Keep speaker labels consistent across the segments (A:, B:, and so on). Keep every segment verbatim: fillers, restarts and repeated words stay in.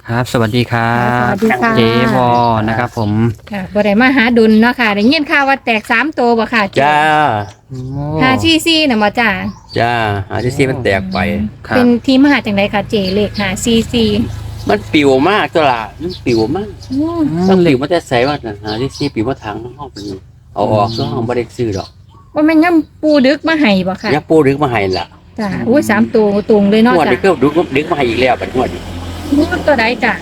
A: ครับสวัสดีครั
B: ส
A: บ
B: วัสดีค่ะ
A: เจวอนะครับผม
B: ค่ะบ่ได้มาหาดุลเนาะค่ะได้ยินข่าวว่าแตกสามตัวบ่ค่ะเจ๊
C: จ้า
B: หาซีซีน่ะบ่จ้า
C: จ้าหาที่ซีมันแตกไป
A: ครับ
B: เป็นที่มาหาจังไดค่ะเจเลขหาซีซี
C: มันปิวมากตัวละมันปิวมากต้องปิวมาแต่ใส่ว่าน่ะหาที่ซีปิวมาทางห้องเป็นเอาออกซึ่งห้องบ่ได้ซื้อดอก
B: ว่าแม่นย่ำปูดึกมาให้บ่ค่ะ
C: ยาปูดึกมาให้ล่ะ
B: จ้าอุ้ยสามตัวตรงเลยเนาะ
C: งวด
B: จ้า
C: นี้ก็ดึกดึกมาให้อีกแล้วบัดงวดนี้
B: มูตัวใดจ้าง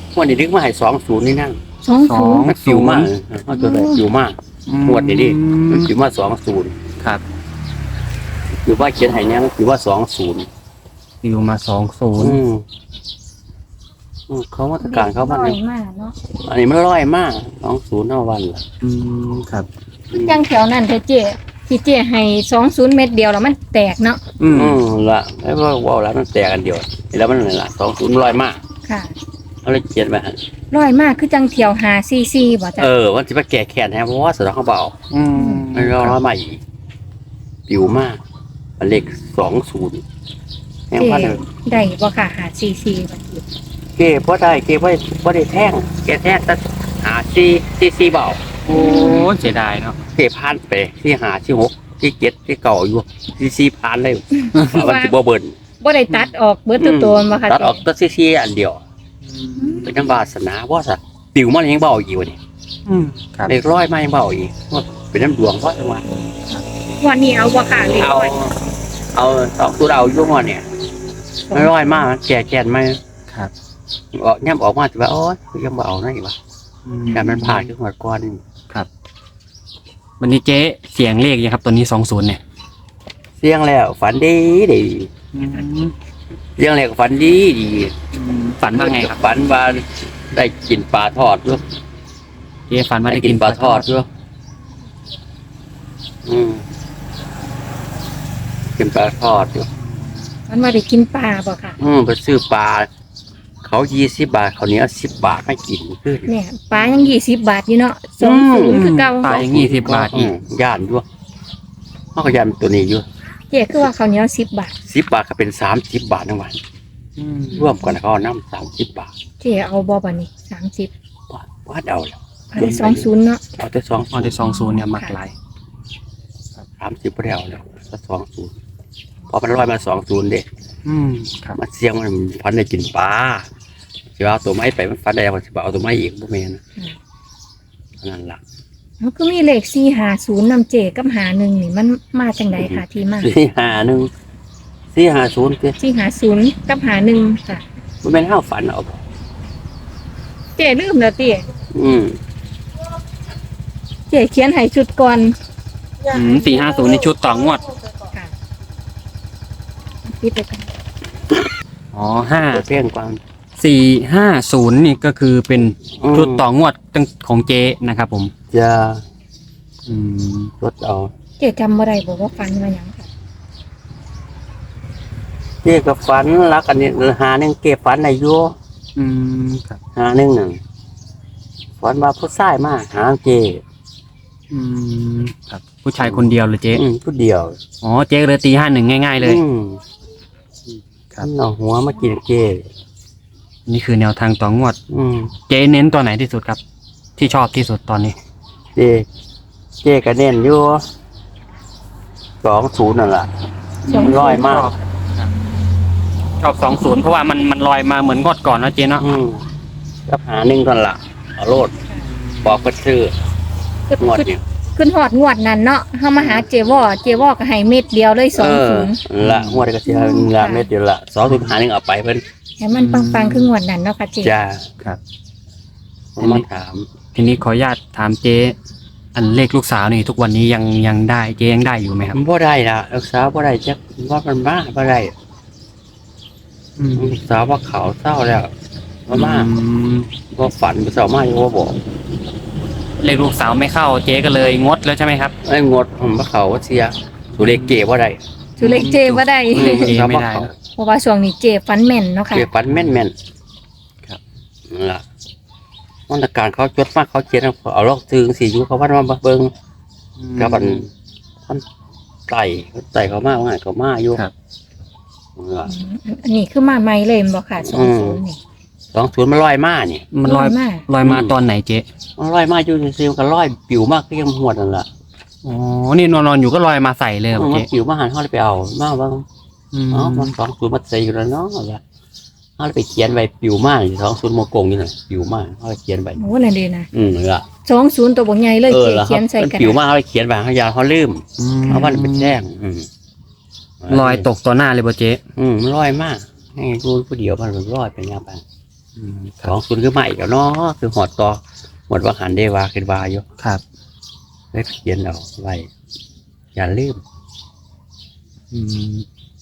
C: วดนี้ดึกมาให้สองศูนย์นี่นั่ง
B: สองศูนย์
C: มันปิวมากเอาตัวใดปิวมาก งวดนี้ดิมันปิวมาสองศูนย์
A: ครับ
C: ปิวว่าเขียนให้เนี่ยมันปิวว่าสองศูนย์
A: ปิวมาสองศูนย์
C: อืมอืมเขามาตรการเขาบ้าน
B: น้อย
C: นี้
B: มากเนาะ
C: อันนี้มันร้อยมากสองศูนย์เท่าวันล่ะ
A: อืมครับ
B: จังแถวนั้นเถอะเจที่เจให้สองศูนย์เม็ดเดียวแล้วมันแตกเนาะ
A: อืม
C: อืมละไอ้ว่าว่าแล้วมันแตกกันเดียวแล้วมันอะไรล่ะสองศูนย์ร้อยมาก
B: ค่ะ
C: เขาเลยเขียนไปหั่น
B: ร้อยมากคือจังเที่ยวหาซีซีบ่จ้า
C: เออวันที่มาแก่แค้นแฮะเพราะว่าสะดอกเขาเบา
A: อืม
C: มันร้อยมาอีกปิวมากมันเลขสองศูนย์แห่ง
B: เจ
C: พันเลย
B: ได้บ่ค่ะหาซีซีบ่เจ
C: เก้เพราะได้เก้เพราะเพราะได้แท่งแกแท่งตั้งหาซีซีซีเบา
A: โอ้เสียดายเนาะ
C: เก้พันไปที่หาที่หกที่เจ็ดที่เก่าอยู่ซีซีพันเลยว่ามันจะบ่เบิ่น
B: บ่ได้ตัดออกเบิดตัวตัวบ่ค่ะ
C: ตัดออก
B: เจ๊
C: ตัวซีซีอันเดียวเป็นน้ำวาสนาว่าสัตว์ปิวมันยังเบาอีกวะนี่
A: อืมครับ
C: เลขร้อยมายังเบาอีกว่าเป็นน้ำดวงเพราะจังหวะ
B: วันนี้เอาบ่ค่ะเลข
C: เอา
B: ร้อย
C: เอาสองตัวเรายุ่งวันเนี่ยไม่ร้อยมากแก่แก่นไหม
A: ครับ
C: ออกย่ำออกมาแต่ว่าโอ๊ยยังเบาหน่อยวะ
A: อืม
C: แต่มันผ่านขึ้นหัวก้อนนี่
A: วันนี้เจ๊เสียงเลขยังครับตัวนี้สองศูนย์เนี่ย
C: เสียงแล้วฝันดีดี
A: อืม
C: เสียงแล้วก็ฝันดีดี
A: ฝันว่าไงครับ
C: ฝันว่าได้กินปลาทอดด้วย
A: เจ๊ฝันว่า
C: ได้
A: ได้
C: กิ
A: กิ
C: น
A: น
C: ปลาทอดด้วยอืมกินปลาทอดด้วย
B: มันว่าได้กินปลาบ่ค่ะ
C: อืมไปซื้อปลาเขายี่สิบบาทเขาวเหนี้สิบบาทให้กินขึ้น
B: เนี่ยปลายังยี่สิบบาทอยู่เนาะสอง
C: อื
B: ศูน
C: ม
B: ย์คือเก่า
A: ปลาอย่างงี้สิบบาทอีก
C: มย่านด้วยเขาก็ย่านตัวนี้อยู่
B: เจ๊คือว่าข้าวเหนียวสิบบาท
C: สิบบาทก็เป็นสามสิบบาททั้งวัน
A: อืม
C: ร่วมกันเขาเอาน้ำสามสิบบาท
B: เจ๊เอาบ่บัดนี้สามสิบ
C: ว่าว่าเอาแล้ว
B: อันนี้สองศูนย์เนาะ
C: เอาแต่สอง
A: อ๋อได้สองศูนย์เนี่ยมักหลาย
C: สามสิบไม่ได้เอาแล้วถ้าสองศูนย์พอมันร้อยมาสองศูนย์เด็ก
A: อืมครับ
C: มันเสียงมันพันได้กินปลาจะเอาตัวไม้ไปมันฟันได้มันจะเอาตัวไม้อีกพวกแม่นะนั่นล่ะ
B: มันก็มีเลขสี่ห้าศูนย์นำเจ๊กับหาหนึ่งนี่มันมาจังไดค่ะที่มา
C: สี่ห้าหนึ่งสี่ห้าศูนย์เจ๊
B: สี่ห้าศูนย์กับหาหนึ่งค่ะ
C: มันเป็นห้าฝันเอา
B: เจ๊ลืมแล้วเจ๊
C: อืม
B: เจ๊เขียนให้ชุดก่อน
A: อืมสี่ห้าศูนย์ในชุดต่องวด
B: ค่ะปิดไปก่อน
A: อ๋อห้า
C: เพียงความ
A: สี่ห้าศูนย์นี่ก็คือเป็น
C: อืม
A: ชุดต่องวดตั้งของเจ๊นะครับผม
C: จะ
A: อืม
C: ลดเอา
B: เจ๊จำบ่ได้บอกว่าฟันมาหยังค่ะ
C: เจ๊กับฝันรักอันนี้หาหนึ่งเก็บฝันในยัว
A: อืมครับ
C: หาหนึ่งหนึ่งฝันว่าผู้ชายมาหาเจ๊
A: อืมครับ ผู้ชายคนเดียวเลยเจ๊
C: อืมผู้เดียว
A: อ๋อเจ๊เลยตีห้าหนึ่งง่าย ๆ เลย
C: อืม
A: ครับ
C: มันเอาหัวมากินเจ๊
A: นี่คือแนวทางต่องวด
C: อืม
A: เจ๊เน้นตัวไหนที่สุดครับ ที่ชอบที่สุดตอนนี้
C: เจ๊เจ๊ก็เน้นอยู่สองศูนย์นั่นแหละมันร้อยมาก
A: ชอบสองศูนย์เพราะว่ามันมันลอยมาเหมือนงวดก่อนนะเจ๊เนาะ
C: อืมก็หาหนึ่งก่อนละเอาโลดบอกเพิ่นซื้อ
B: ขึ้น
C: งวด
B: ขึ้น
C: นี้
B: ขึ้นหอดงวดนั้นเนาะเฮามาหาเจวอเจวอก็ให้เม็ดเดียวเลยส
C: เอ
B: อง
C: อ
B: ศูนย์
C: ละงวดนี้ก็สิให้ละเม็ดเดียวละสองศูนย์หาหนึ่งเอาไปเพิ่น
B: ให้มันปังๆคืองวดนั้นเนาะค่ะเจ
C: จ้า
A: ครับ
C: ผมมาถาม
A: ทีนี้ขออนุญาตถามเจ๊อันเลขลูกสาวนี่ทุกวันนี้ยังยังได้เจ๊ยังได้อยู่ไหมครับ
C: มันบ่ได้ละลูกสาวบ่ได้จักว่ามันมาบ่ได้
A: อืม
C: ลูกสาวว่าเขาเศร้าแล้วว่ามา
A: อืม
C: ว่าฝันเศร้ามาอยู่ว่าบอก
A: เลขลูกสาวไม่เข้าเจ๊ก็เลยงดแล้วใช่ไหมครับ
C: ไอ้งดผมว่าเขาว่าเสียสุเลขเก๋บ่ได้
B: สุเลขเจบ่ได้
C: อืม
A: เจ๊ไม่ได้
B: เพราะว่าช่วงนี้เจฟันแม่นเนาะค่ะ
C: เก๋ฝันแม่นแม่น
A: ครับ
C: นั่นล่ะมาตรการเขาจดมากเขาเขียนเอาเอาลอกซื้อสิอยู่เขาว่ามาเบิ่ง กับมันท่านไต่ไต่เขามากว่าไงเขามาอยู่
A: ครับ
C: นั่นล่ะ
B: อันนี้คือมาใหม่เลยแม่นบ่ค่ะสองศูนย์นี่
C: สองศูนย์มันลอยมานี่
A: มันลอย
B: มาก
A: ลอยมาตอนไหนเจ๊
C: มันลอยมาอยู่ซื่อๆมันก็ลอยปิวมากก็ยังหวดนั่นแหละ
A: อ๋อนี่นอนๆอยู่ก็ลอยมาใส่เลยเหรอ
C: มัน
A: เจ๊
C: ปิวมาหันเขาเลยไปเอามาว่า
A: อืม
C: อ๋อมันสองศูนย์มันใส่อยู่แล้วเนาะอะไรเขาเลยไปเขียนไว้ปิวมากสองศูนย์โมกงนี่น่ะปิวมากเขาเลยเขียนไว้
B: โอ้นั่นดีนะ
C: อืมเหรอ
B: สองศูนย์ตัวบกใหญ่เลย
C: เออ
B: เจ๊
C: แล้ว
B: เขียนใส่
C: มัน
B: กระ
C: ปิว
B: ดาษ
C: มากเขาเลยเขียนไว้เขายาเขาลืม
A: อืม
C: เขาวันเป็นแจ้งอืม
A: ลอยตกต่อหน้าเลยบ่เจ๊
C: อืมมันลอยมากให้รู้ผู้เดียวมันลอยไปยามไป
A: อืมค
C: ส
A: รับ
C: องศูนย์คือใหม่แล้วเนาะคือหอดต่อหมดว่าหันได้วาขึ้นวาอยู่
A: ครับ
C: ได้เขียนเอาไว้อย่าลืม
A: อืม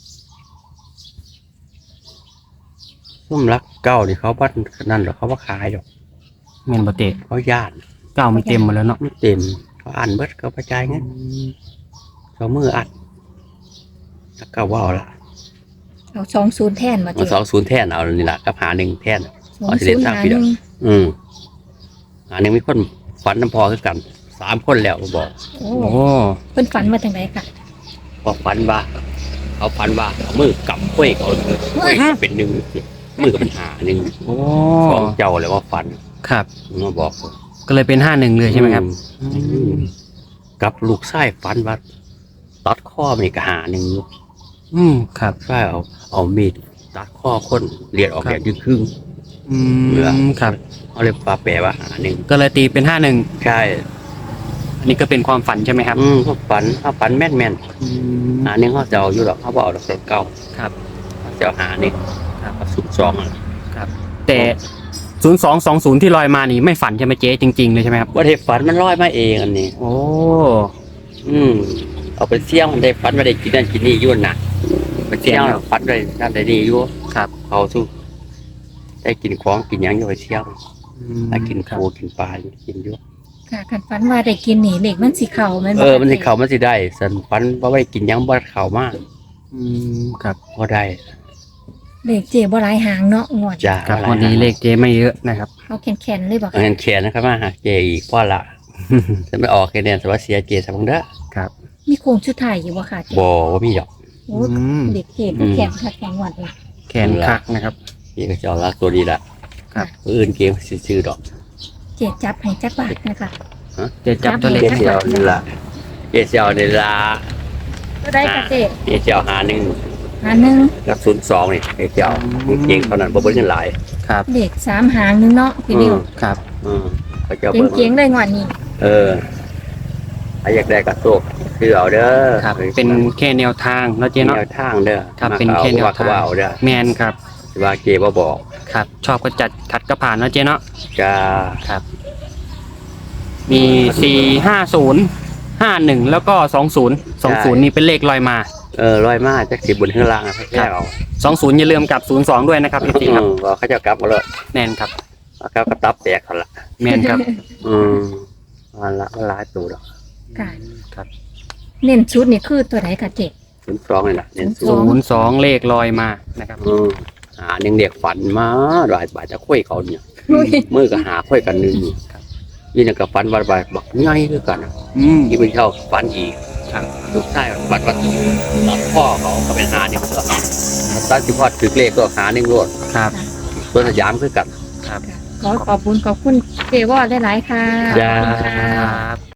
C: ซุ่มรักเก้านี่เขาบ้านนั่นหรอกเขาว่าขายหรอก
A: เงินบ่เจ๊
C: เขาญาติ
A: เก้ามันเต็มหมดแล้วเนาะ
C: ไม่เต็มเขาอ่านเบิดเขาประจายเงี้ยเขามืออัดรักเก้าว่าเอาละ
B: เอาสองศูนย์แทนมา
C: มา
B: เจ๊
C: สองศูนย์แท่นเอานี่แหละกับหาหนึ่งแท่น
B: สองศูนย์หาหนึ่ง
C: อืมหาหนึ่งมีคนฝันน้ำพอคือกันสามคนแล้วบอก
B: โอ้
A: โอ้
B: เพิ่นฝันมาทางไหนค่ะ
C: พอฝันว่าเขาฝันว่าเอามือกำกล้วยเขาเลยกล้วยเป็นหนึ่งสิมือก็เป็นหาหนึ่ง
A: โอ้
C: สองเจ้าเลยว่าฝัน
A: ครับ
C: มาบอก
A: ก็เลยเป็นห้าหนึ่งเลยใช่ไหมครับ
C: อืมกับลูกไส้ฝันว่าตัดข้อมันนี่ก็หาหนึ่งอยู่
A: อืมครับ
C: ไส้เอาเอามีดตัดข้อคนเลียดออก
A: ครับ
C: อย่างครึ่ง
A: อื
C: เหลือ
A: มครับ
C: ๆเขาเลยปลาแปลว่าหาหนึ่ง
A: ก็เลยตีเป็นห้าหนึ่ง
C: ใช่
A: อันนี้ก็เป็นความฝันใช่ไหมครับ
C: อืมเขาฝันเขาฝันแม่นแม่น
A: อืม
C: ๆหาหนึ่งเขาจะเอาอยู่หรอกเขาบอกเอาดอกเก่า
A: ครับ
C: เขาจะเอาหาหนึ่ง
A: ครับ
C: เอาสุดสองอ่ะ
A: แต่ศูนย์สองสองศูนย์ที่ลอยมานี่ไม่ฝันใช่ไหมเจ๊จริงๆเลยใช่ไหมครับ
C: ว่าเทฝันมันลอยมาเองอันนี้
A: โอ้
C: อืมเอาไปเสี่ยงมันได้ฝันว่าได้กินนั่นกินนี่อยุ่นน่ะไปเสี่ยงฝันได้นั่นได้นี่อยู่
A: ครับ
C: เขาสู้ได้กินของกินหยังอยู่ไปเสี่ยง
A: อืม
C: ได้กิน
A: ครับ
C: ปูกินปลากินอยู่
B: ค่ะคันฝันว่าได้กินนี่เหล็กมันสิเข่าแมันบ่
C: เออมันสิเขามันสิได้สันฝันว่าไม่ได้กินหยังบ่เข้ามาก
A: อืมครับ
C: บ่ได้
B: เหล็กเจ๊บ่หลายหางเนาะงวด
C: จ้า
A: ครับวันนี้เลขเจ๊ไม่เยอะนะครับ
B: เอาแข็งๆเลยบ่
C: เอาเงินแขนนะครับมาหาเจอีกพ่อละจะไม่ออกแค่เนี้สวัสดิ์เสียเจสมังเด้อ
A: ครับ
B: มีโครงชุดไทายอยู่บ่ค่ะเจ๊
C: บ่ว่ามีดอก
B: โอ้
A: อืม
B: เด็กเจ๊ก็แข็งค่ะแข็งหวัดเลย
A: แขนคักนะครับ
C: พี่ก็จะเอาละตัวดีละ
A: ครับ
C: ผู้อื่นเกมซื้อๆดอก
B: เจ๊จับให้จักบาทนะคะ
A: เจ๊จับตัวเลข
C: เจ
A: ให้
C: เซียวนี่ละเจเซียวนี่ละ
B: ก็ได้ค่ะเจ๊
C: เจเซียวหาหนึ่ง
B: หาหนึ่ง
C: กับศูนย์สองนี่เจเซียวเก่งเท่านั้นบ่เบิ่งเงินหลาย
A: ครับ
B: เด็กสามหางหนึงเนาะพี่นิว
A: ครับ
C: อืมเขาจะเบิ่ง
B: เจ๋งๆเลยงวดนี้
C: เออใครอยากได้กระโซกคือเอาเด้อ
A: ครับ เป็นแค่แนวทางเนาะเจ๊เนาะ
C: แนวทางเด้อ
A: ครับเป็นแค่แนว
C: ว่า
A: ทาง
C: ก็ว่าเอาเด้อ
A: แมนครับ
C: สิว่าเจบ่บอก
A: ครับ ชอบก็จัดขัดก็ผ่านเนาะเจ๊เนาะ
C: จะ
A: ครับ มีสี่ห้าศูนย์ห้าหนึ่งแล้วก็สองศูนย์สองศูนย์นี่เป็นเลขลอยมา
C: เออร้อยมาจักสิบบนข้างล่างอะแค่เอา
A: สองศูนย์อย่าลืมกับศูนย์สองด้วยนะครับพี่
C: อื
A: ครับ
C: มว่าเขาจะกลับมาเลย
A: แมนครับ
C: เอากลับกระตับแตกเขาละ
A: แมนครับ
C: อืมมันละมันหลายตัวดอก
B: ค่ะ
A: ครับ
B: เน้นชุดนี่คือตัวไหนค่ะเจ๊
C: ศูนย์สองนี่แหละเน้นศู
B: ส
C: น
B: อง
C: ย์
A: ศูนย์สองเลขลอยมานะครับ
C: อืมหาหนึ่งเด็กฝันมาหลายบาทจะคุยเขาเนี่ย
B: อุ้ย
C: มือก็หาคุยกันหนึ่งยี่นี่ก็ฝันว่าบาบักง่ายคือกันอะ
A: อืม
C: ที่เป็นเช่าฝันอีก
A: ครับ
C: ลูกชายฝันว่าตัดพ่อเขาก็เป็นหาหนึ่งก็ตัดที่พ่อถือเลขก็หาหนึ่งรวด
A: ครับ
C: ตัวสยามคือกัน
A: ครับ
B: ขอขอบคุณขอบคุณเจว่าได้หลายๆค่ะ
C: จ้า
B: ขอบคุณค่ะ
A: ครับ